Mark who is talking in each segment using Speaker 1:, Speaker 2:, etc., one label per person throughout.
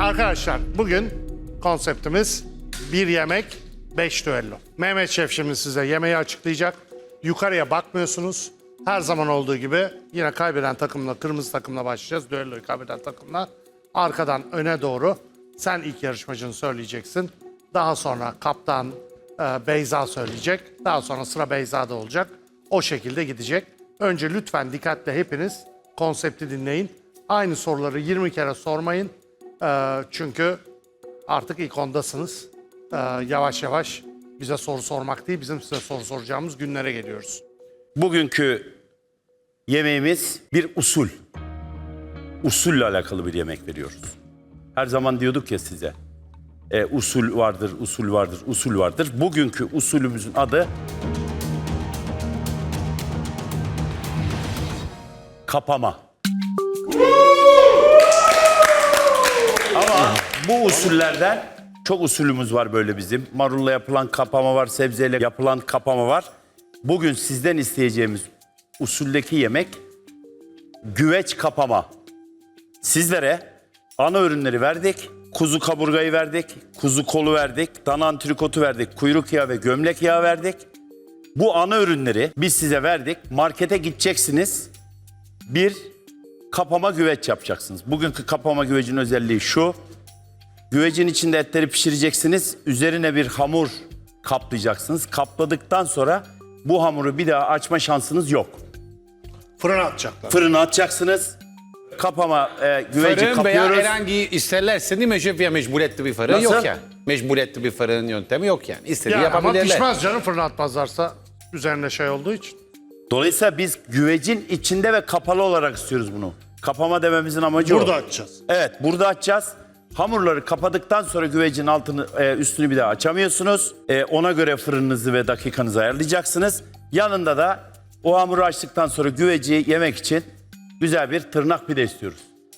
Speaker 1: Arkadaşlar bugün konseptimiz bir yemek, 5 düello. Mehmet Şef şimdi size yemeği açıklayacak. Yukarıya bakmıyorsunuz. Her zaman olduğu gibi yine kaybeden takımla, kırmızı takımla başlayacağız. Düelloyu kaybeden takımla. Arkadan öne doğru sen ilk yarışmacını söyleyeceksin. Daha sonra kaptan Beyza söyleyecek. Daha sonra sıra Beyza'da olacak. O şekilde gidecek. Önce lütfen dikkatle hepiniz konsepti dinleyin. Aynı soruları 20 kere sormayın. Çünkü artık ilk ondasınız. Yavaş yavaş bize soru sormak değil, bizim size soru soracağımız günlere geliyoruz.
Speaker 2: Bugünkü yemeğimiz bir usul. Usulle alakalı bir yemek veriyoruz. Her zaman diyorduk ya size. Usul vardır, usul vardır, usul vardır. Bugünkü usulümüzün adı kapama. Ama bu usullerden çok usulümüz var böyle bizim. Marulla yapılan kapama var, sebzeyle yapılan kapama var. Bugün sizden isteyeceğimiz usuldeki yemek güveç kapama. Sizlere ana ürünleri verdik. Kuzu kaburgayı verdik, kuzu kolu verdik, dana antrikotu verdik, kuyruk yağı ve gömlek yağı verdik. Bu ana ürünleri biz size verdik. Markete gideceksiniz. Bir kapama güveç yapacaksınız. Bugünkü kapama güvecin özelliği şu. Güvecin içinde etleri pişireceksiniz. Üzerine bir hamur kaplayacaksınız. Kapladıktan sonra bu hamuru bir daha açma şansınız yok.
Speaker 1: Fırına atacaklar.
Speaker 2: Fırına atacaksınız. Kapama güveci
Speaker 3: Fırın
Speaker 2: kapıyoruz.
Speaker 3: veya herhangi isterlerse değil mi şef ya mecburiyetli bir fırın
Speaker 2: Nasıl?
Speaker 3: yok yani. Mecburiyetli bir fırın yöntemi yok yani. İstediği
Speaker 1: Yani ama
Speaker 3: yapabilirler.
Speaker 1: pişmez canım fırına atmazlarsa üzerine şey olduğu için.
Speaker 2: Dolayısıyla biz güvecin içinde ve kapalı olarak istiyoruz bunu. Kapama dememizin amacı
Speaker 1: Burada
Speaker 2: o.
Speaker 1: açacağız.
Speaker 2: Evet, burada açacağız. Hamurları kapadıktan sonra güvecin altını, üstünü bir daha açamıyorsunuz. Ona göre fırınınızı ve dakikanızı ayarlayacaksınız. Yanında da o hamuru açtıktan sonra güveci yemek için güzel bir tırnak pide istiyoruz.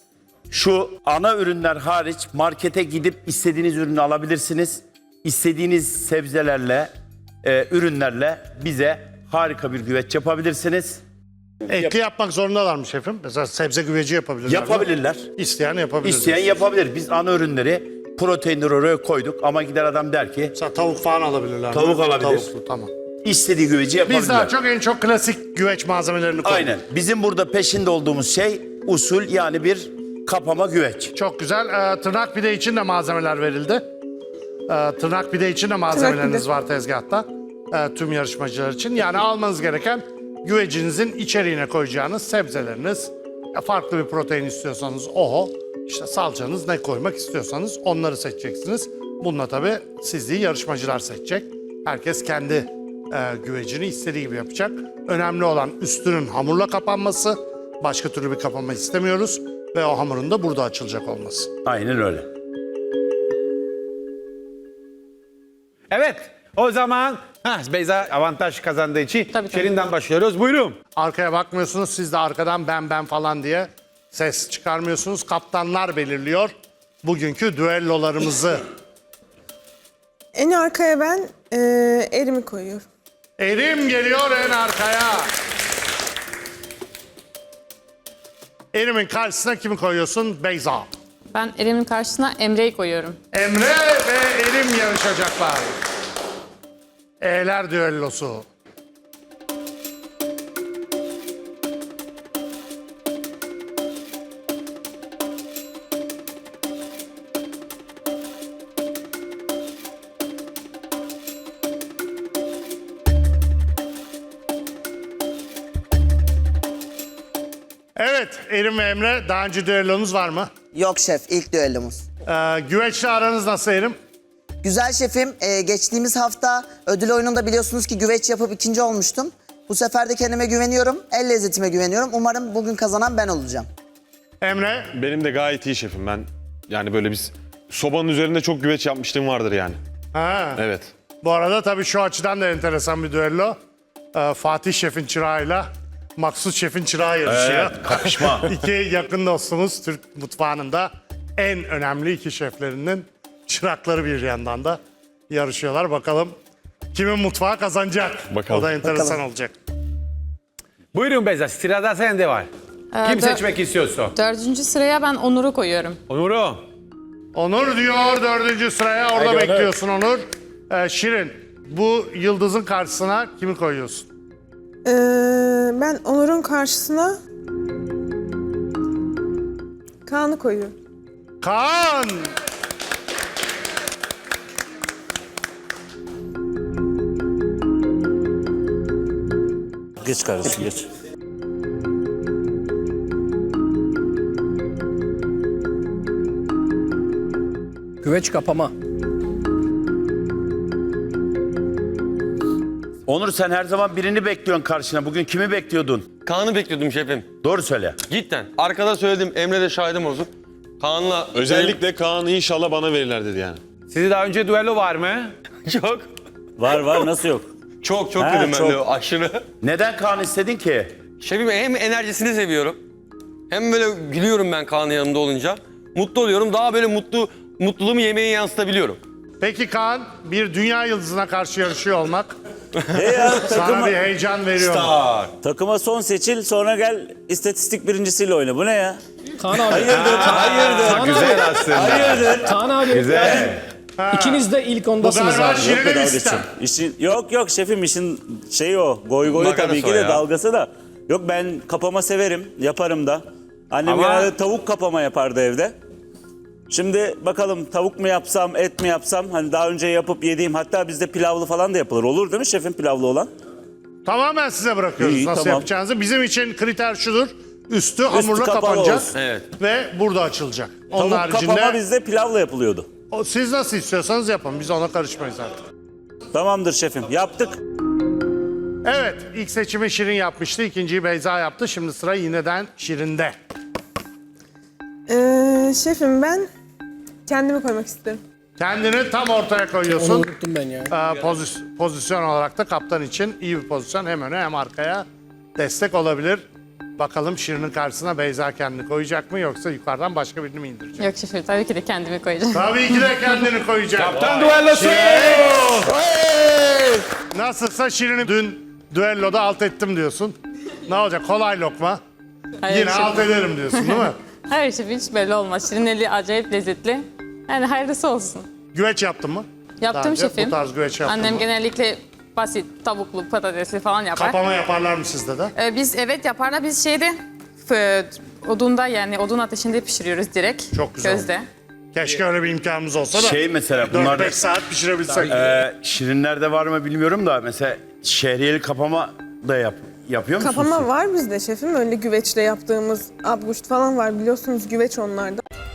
Speaker 2: Şu ana ürünler hariç markete gidip istediğiniz ürünü alabilirsiniz. İstediğiniz sebzelerle, ürünlerle bize harika bir güveç yapabilirsiniz.
Speaker 1: Etli yapmak zorundalar mı şefim? Mesela sebze güveci yapabilirler mi?
Speaker 2: Yapabilirler.
Speaker 1: İsteyen yapabilir.
Speaker 2: İsteyen yapabilir. Biz ana ürünleri proteinleri oraya koyduk ama gider adam der ki
Speaker 1: Mesela tavuk falan alabilirler mi?
Speaker 2: Tavuk alabilir.
Speaker 1: Tavuklu, tamam.
Speaker 2: istediği güveci yapabilirler.
Speaker 1: Biz daha çok en çok klasik güveç malzemelerini koyduk.
Speaker 2: Aynen. Bizim burada peşinde olduğumuz şey usul, yani bir kapama güveç.
Speaker 1: Çok güzel. Tırnak pide için de malzemeler verildi. Tırnak pide için de malzemeleriniz var tezgahta. Tüm yarışmacılar için. Yani almanız gereken güvecinizin içeriğine koyacağınız sebzeleriniz. Farklı bir protein istiyorsanız oho. İşte salçanız, ne koymak istiyorsanız onları seçeceksiniz. Bununla tabii sizliği yarışmacılar seçecek. Herkes kendi güvecini istediği gibi yapacak. Önemli olan üstünün hamurla kapanması. Başka türlü bir kapanma istemiyoruz. Ve o hamurun da burada açılacak olması.
Speaker 2: Aynen öyle.
Speaker 3: Evet o zaman Beyza avantaj kazandığı için
Speaker 4: Tabii.
Speaker 3: Şirin'den başlıyoruz. Buyurun.
Speaker 1: Arkaya bakmıyorsunuz. Siz de arkadan ben falan diye ses çıkarmıyorsunuz. Kaptanlar belirliyor bugünkü düellolarımızı.
Speaker 5: En arkaya ben erimi koyuyorum.
Speaker 1: Erim geliyor en arkaya. Erim'in karşısına kimi koyuyorsun? Beyza.
Speaker 4: Ben Eren'in karşısına Emre'yi koyuyorum.
Speaker 1: Emre ve Erim yarışacaklar. E'ler düellosu. Evet, Erim ve Emre, daha önce düellonuz var mı?
Speaker 6: Yok şef, ilk düellomuz.
Speaker 1: Güveçle aranız nasıl Erim?
Speaker 6: Güzel şefim, geçtiğimiz hafta ödül oyununda biliyorsunuz ki güveç yapıp ikinci olmuştum. Bu sefer de kendime güveniyorum, el lezzetime güveniyorum. Umarım bugün kazanan ben olacağım.
Speaker 1: Emre?
Speaker 7: Benim de gayet iyi şefim. Ben yani böyle biz sobanın üzerinde çok güveç yapmışlığım vardır yani.
Speaker 1: Ha.
Speaker 7: Evet.
Speaker 1: Bu arada tabii şu açıdan da enteresan bir düello. Fatih Şef'in çırağıyla Maksut Şef'in çırağı yarışıyor.
Speaker 2: Evet, kapışma.
Speaker 1: İki yakın dostumuz Türk mutfağının da en önemli iki şeflerinin çırakları bir yandan da yarışıyorlar. Bakalım kimin mutfağı kazanacak?
Speaker 7: Bakalım.
Speaker 1: O da enteresan
Speaker 6: Bakalım.
Speaker 1: olacak.
Speaker 3: Buyurun Beyza sırada sende var. Kim seçmek istiyorsun?
Speaker 4: 4. sıraya ben Onur'u koyuyorum.
Speaker 3: Onur'u.
Speaker 1: Onur diyor 4. sıraya. Orada
Speaker 2: Haydi Onur.
Speaker 1: bekliyorsun Onur. Şirin, bu yıldızın karşısına kimi koyuyorsun?
Speaker 5: Ben Onur'un karşısına Kaan'ı koyuyorum.
Speaker 1: Kaan!
Speaker 8: Geç kardeşim geç.
Speaker 9: Güveç kapama.
Speaker 2: Onur sen her zaman birini bekliyorsun karşına. Bugün kimi bekliyordun?
Speaker 10: Kaan'ı bekliyordum şefim.
Speaker 2: Doğru söyle.
Speaker 10: Cidden. Arkada söyledim. Emre de şahidim olsun. Kaan'la...
Speaker 7: Özellikle Kaan inşallah bana verirler dedi yani.
Speaker 3: Sizi daha önce düello var mı?
Speaker 10: Çok.
Speaker 8: Var nasıl yok?
Speaker 10: Çok
Speaker 8: Ha,
Speaker 10: dedim ben
Speaker 8: çok.
Speaker 10: de aşırı.
Speaker 2: Neden Kaan istedin ki?
Speaker 10: Şefim hem enerjisini seviyorum. Hem böyle gülüyorum ben Kaan'ın yanında olunca. Mutlu oluyorum. Daha böyle mutluluğumu yemeğe yansıtabiliyorum.
Speaker 1: Peki Kaan, bir dünya yıldızına karşı yarışıyor olmak
Speaker 8: Ya,
Speaker 1: sana bir heyecan veriyor mu?
Speaker 8: takıma son seçil sonra gel istatistik birincisiyle oyna. Bu ne ya?
Speaker 9: Kaan abi.
Speaker 8: Hayırdır?
Speaker 3: Güzel aslında.
Speaker 8: Hayırdır?
Speaker 9: Kaan abi.
Speaker 3: Güzel.
Speaker 9: İkiniz de ilk
Speaker 1: Bu
Speaker 9: ondasınız
Speaker 1: galiba
Speaker 9: abi.
Speaker 1: Şirin'in
Speaker 8: Dalga
Speaker 1: istem.
Speaker 8: geçeceğim. yok şefim işin şeyi o. Goy
Speaker 10: Makarası
Speaker 8: tabii ki
Speaker 10: o
Speaker 8: de
Speaker 10: ya.
Speaker 8: dalgası da. Yok ben kapama severim. Yaparım da. Annem
Speaker 3: Ama-
Speaker 8: genelde tavuk kapama yapardı evde. Şimdi bakalım tavuk mu yapsam, et mi yapsam? Hani daha önce yapıp yediğim, hatta bizde pilavlı falan da yapılır. Olur değil mi şefim pilavlı olan?
Speaker 1: Tamamen size bırakıyoruz
Speaker 8: İyi,
Speaker 1: nasıl
Speaker 8: tamam.
Speaker 1: yapacağınızı. Bizim için kriter şudur. Üstü hamurla
Speaker 8: kapalı
Speaker 1: kapanacak
Speaker 8: olsun.
Speaker 10: Evet.
Speaker 1: ve burada açılacak. Onun
Speaker 8: Tavuk kapama
Speaker 1: haricinde
Speaker 8: bizde pilavla yapılıyordu.
Speaker 1: siz nasıl istiyorsanız yapın. Biz ona karışmayız artık.
Speaker 8: Tamamdır şefim. Yaptık.
Speaker 1: Evet, ilk seçimi Şirin yapmıştı. İkinciyi Beyza yaptı. Şimdi sıra yineden Şirin'de.
Speaker 5: Şefim ben kendimi koymak isterim.
Speaker 1: Kendini tam ortaya
Speaker 9: Onu
Speaker 1: koyuyorsun.
Speaker 9: unuttum ben ya.
Speaker 1: Pozisyon olarak da kaptan için iyi bir pozisyon. Hem öne hem arkaya destek olabilir. Bakalım Şirin'in karşısına Beyza kendini koyacak mı yoksa yukarıdan başka birini mi indirecek?
Speaker 4: Yok şefim, tabii ki de kendimi koyacağım.
Speaker 1: Tabii ki de kendini koyacak.
Speaker 3: Kaptan düellosu.
Speaker 1: Nasılsa Şirin'i dün düelloda alt ettim diyorsun. Ne olacak? Kolay lokma.
Speaker 4: Hayır,
Speaker 1: Yine
Speaker 4: şefim.
Speaker 1: alt ederim diyorsun değil mi?
Speaker 4: Hayır şefim, hiç belli olmaz. Şirin eli acayip lezzetli. Yani hayırlısı olsun.
Speaker 1: Güveç yaptın mı? Daha
Speaker 4: Yaptım
Speaker 1: önce
Speaker 4: şefim.
Speaker 1: Bu tarz güveç yaptın
Speaker 4: Annem
Speaker 1: mı?
Speaker 4: genellikle basit tavuklu, patatesli falan yapar.
Speaker 1: Kapama yaparlar mı sizde de?
Speaker 4: Biz evet yaparlar. Biz odunda, yani odun ateşinde pişiriyoruz direkt.
Speaker 1: Çok güzel.
Speaker 4: Gözde.
Speaker 1: Keşke öyle bir imkanımız olsa da.
Speaker 2: Şey mesela bunlar
Speaker 1: 4-5 saat pişirebilsek.
Speaker 2: Şirinlerde var mı bilmiyorum da mesela şehriyeli kapama da yapıyor musunuz?
Speaker 5: Kapama var bizde şefim. Öyle güveçle yaptığımız abguşt falan var. Biliyorsunuz güveç onlarda.